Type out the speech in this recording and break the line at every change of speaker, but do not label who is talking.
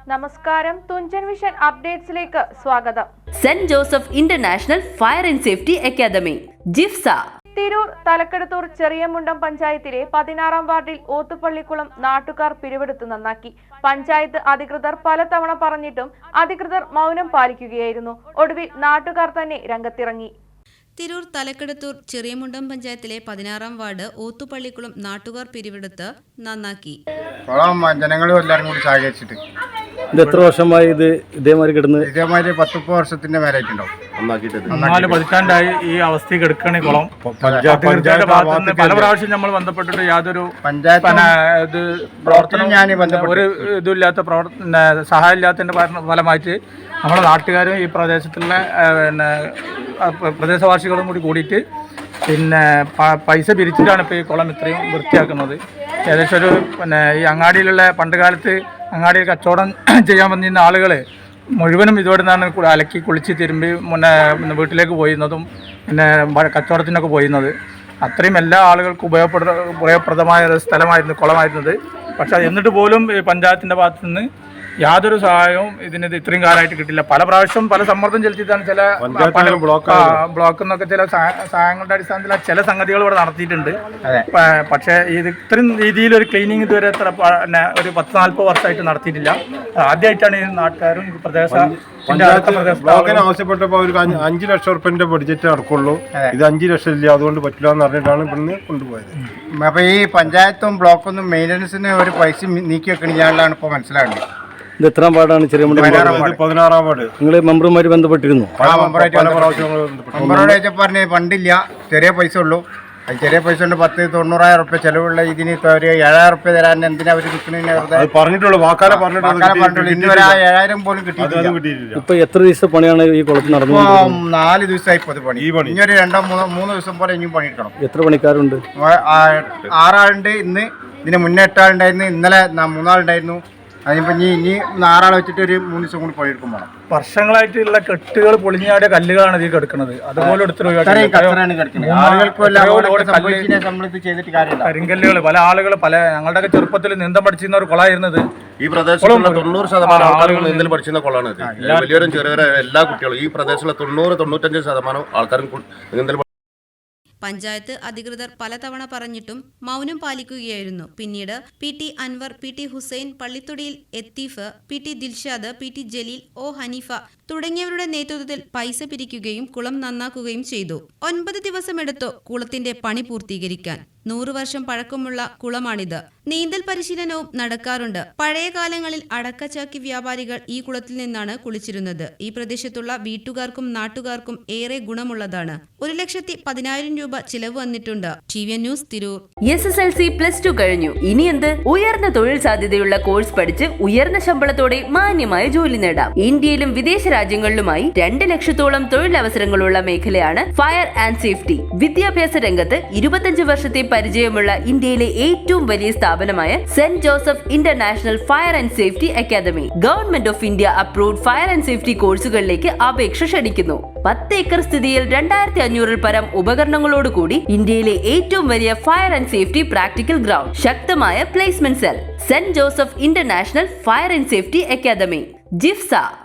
നമസ്കാരം, തുഞ്ചൻ വിഷൻ അപ്ഡേറ്റ്സിലേക്ക് സ്വാഗതം.
Saint Joseph International Fire and Safety Academy ജിഫ്സ
തിരൂർ തലക്കെടുത്തൂർ ചെറിയമുണ്ടം പഞ്ചായത്തിലെ 16-ാം വാർഡിൽ ഓത്തുപള്ളിക്കുളം നാട്ടുകാർ പിരിവെടുത്ത് നന്നാക്കി. പഞ്ചായത്ത് അധികൃതർ പലതവണ പറഞ്ഞിട്ടും അധികൃതർ മൗനം പാലിക്കുകയായിരുന്നു. ഒടുവിൽ നാട്ടുകാർ തന്നെ രംഗത്തിറങ്ങി.
തിരൂർ തലക്കെടുത്തൂർ ചെറിയമുണ്ടം പഞ്ചായത്തിലെ 16-ാം വാർഡ് ഓത്തുപള്ളിക്കുളം നാട്ടുകാർ പിരിവെടുത്ത് നന്നാക്കി.
ജനങ്ങളും എല്ലാവരും കൂടി സഹകരിച്ചിട്ട്
എത്ര വർഷമായി ഇത് ഇതേമാതിരി കിടന്ന്?
ഇതേമാതിരി 10 വർഷത്തിന്റെ മേലായിട്ടുണ്ടാവും.
4 പതിറ്റാണ്ടായി ഈ അവസ്ഥ കിടക്കണ കുളം. പഞ്ചായത്തിന്റെ ഭാഗത്ത് നിന്ന് പല പ്രാവശ്യം നമ്മൾ ബന്ധപ്പെട്ടിട്ട് യാതൊരു ഒരു ഇതില്ലാത്ത സഹായം ഇല്ലാത്തതിന്റെ ഫലമായിട്ട് നമ്മുടെ നാട്ടുകാരും ഈ പ്രദേശത്തുള്ള പ്രദേശവാസികളും കൂടിയിട്ട് പൈസ പിരിച്ചിട്ടാണ് ഇപ്പോൾ ഈ കുളം ഇത്രയും വൃത്തിയാക്കുന്നത്. ഏകദേശം ഒരു ഈ അങ്ങാടിയിലുള്ള പണ്ട് കാലത്ത് അങ്ങാടിയിൽ കച്ചവടം ചെയ്യാൻ വന്നിരുന്ന ആളുകൾ മുഴുവനും ഇതോടെ നിന്നാണ് അലക്കി കുളിച്ച് തിരുമ്പി വീട്ടിലേക്ക് പോയിരുന്നതും കച്ചവടത്തിനൊക്കെ പോയിരുന്നത്. അത്രയും എല്ലാ ആളുകൾക്കും ഉപയോഗപ്രദമായ ഒരു സ്ഥലമായിരുന്നു കുളമായിരുന്നത്. പക്ഷേ എന്നിട്ട് പോലും പഞ്ചായത്തിൻ്റെ ഭാഗത്തു നിന്ന് യാതൊരു സഹായവും ഇതിന് ഇത്രയും കാലമായിട്ട് കിട്ടില്ല. പല പ്രാവശ്യം പല സമ്മർദ്ദം ചെലുത്തിയിട്ടാണ് ചില ബ്ലോക്കിൽ നിന്നൊക്കെ ചില സഹായങ്ങളുടെ അടിസ്ഥാനത്തിൽ ചില സംഗതികൾ ഇവിടെ നടത്തിയിട്ടുണ്ട്. പക്ഷേ ഇത് ഇത്രയും രീതിയിൽ ഒരു ക്ലീനിങ് ഇതുവരെ ഒരു 10-40 വർഷമായിട്ട് നടത്തിയിട്ടില്ല. ആദ്യമായിട്ടാണ് ഈ നാട്ടുകാരും
ആവശ്യപ്പെട്ടപ്പോൾ അവർക്ക് 5 ലക്ഷം റുപ്യന്റെ ബഡ്ജറ്റ് നടക്കുള്ളൂ. ഇത് 5 ലക്ഷം ഇല്ല, അതുകൊണ്ട് പറ്റില്ല എന്ന് പറഞ്ഞിട്ടാണ് ഇവിടുന്ന് കൊണ്ടുപോയത്.
അപ്പൊ ഈ പഞ്ചായത്തും ബ്ലോക്കൊന്നും മെയിൻ്റനൻസിന് ഒരു പൈസ നീക്കി വെക്കണില്ലാണ്ടാണ് ഇപ്പോൾ മനസ്സിലാകുന്നത്.
ഇത് എത്രാം വാർഡാണ്? 16-ാം വാർഡ്. നിങ്ങൾ മെമ്പറുമാര് ബന്ധപ്പെട്ടിരുന്നു?
മെമ്പറോട് പറഞ്ഞ് ഫണ്ടില്ല, ചെറിയ പൈസ ഉള്ളൂ. ചെറിയ പൈസ കൊണ്ട് 10-90,000 റുപ്യ ചെലവുള്ള ഇതിന് ഒരു 7,000 റുപ്യ തരാൻ എന്തിനാ അവർ
പറഞ്ഞിട്ടുള്ളൂ.
ഇന്നുവരെ 7,000 പോലും കിട്ടിയിട്ടില്ല.
ഇപ്പൊ എത്ര ദിവസം പണിയാണ് ഈ കുളത്തിൽ നടന്നത്?
4 ദിവസമായി ഇപ്പോൾ പണി. ഇനി ഒരു 2-3 ദിവസം പോലെ ഇനിയും പണിയെടുക്കണം.
എത്ര പണിക്കാരുണ്ട്?
6 ആളുണ്ട്. ഇതിന് മുന്നേ 8 ആളുണ്ടായിരുന്നു. ഇന്നലെ 3 ആളുണ്ടായിരുന്നു. അതിനിപ്പോൾ ഇനി 6 ആളെ വെച്ചിട്ട് ഒരു 3 ദിവസം കൂടി പണിയെടുക്കും വേണം.
വർഷങ്ങളായിട്ടുള്ള കെട്ടുകൾ പൊളിഞ്ഞാടിയ കല്ലുകളാണ് ഇതിൽ കിടക്കുന്നത്. അതുപോലെ കരിങ്കല്ലുകൾ പല ആളുകൾ ഞങ്ങളുടെയൊക്കെ ചെറുപ്പത്തിൽ നീന്തം പഠിച്ചിരുന്ന ഒരു കുളമായിരുന്നത്.
ഈ പ്രദേശത്തുള്ള 90% ആളുകൾ നീന്തൽ പഠിച്ചിരുന്ന കുളമാണ് ഇത്. വലിയവരും ചെറിയവരും എല്ലാ കുട്ടികളും ഈ പ്രദേശത്തുള്ള 90-95% ആൾക്കാരും നീന്തൽ.
പഞ്ചായത്ത് അധികൃതർ പലതവണ പറഞ്ഞിട്ടും മൗനം പാലിക്കുകയായിരുന്നു. പിന്നീട് PT Anwar, PT Hussain, പള്ളിത്തൊടിയിൽ എത്തീഫ്, PT Dilshad, PT Jaleel, O Haneefa തുടങ്ങിയവരുടെ നേതൃത്വത്തിൽ പൈസ പിരിക്കുകയും കുളം നന്നാക്കുകയും ചെയ്തു. 9 ദിവസമെടുത്തു കുളത്തിന്റെ പണി പൂർത്തീകരിക്കാൻ. 100 വർഷം പഴക്കമുള്ള കുളമാണിത്. നീന്തൽ പരിശീലനവും നടക്കാറുണ്ട്. പഴയ കാലങ്ങളിൽ അടക്കച്ചാക്കി വ്യാപാരികൾ ഈ കുളത്തിൽ നിന്നാണ് കുളിച്ചിരുന്നത്. ഈ പ്രദേശത്തുള്ള വീട്ടുകാർക്കും നാട്ടുകാർക്കും ഏറെ ഗുണമുള്ളതാണ്. 1,10,000 രൂപ ചിലവ് വന്നിട്ടുണ്ട്. TVN news Tirur.
SSLC +2 കഴിഞ്ഞു. ഇനി എന്ത്? ഉയർന്ന തൊഴിൽ സാധ്യതയുള്ള കോഴ്സ് പഠിച്ച് ഉയർന്ന ശമ്പളത്തോടെ മാന്യമായ ജോലി നേടാം. ഇന്ത്യയിലും വിദേശ രാജ്യങ്ങളിലുമായി 2 ലക്ഷത്തോളം തൊഴിലവസരങ്ങളുള്ള മേഖലയാണ് ഫയർ ആൻഡ് സേഫ്റ്റി. വിദ്യാഭ്യാസ രംഗത്ത് 25 വർഷത്തെ പരിചയമുള്ള ഇന്ത്യയിലെ ഏറ്റവും വലിയ സ്ഥാപനമായ Saint Joseph International Fire and Safety Academy government of India approved fire and safety കോഴ്സുകളിലേക്ക് അപേക്ഷ ക്ഷണിക്കുന്നു. 10 ഏക്കർ സ്ഥിതിയിൽ 2500 പരം ഉപകരണങ്ങളോടുകൂടി ഇന്ത്യയിലെ ഏറ്റവും വലിയ fire and safety practical ground, ശക്തമായ placement cell, Saint Joseph International Fire and Safety Academy ജിഫ്സ.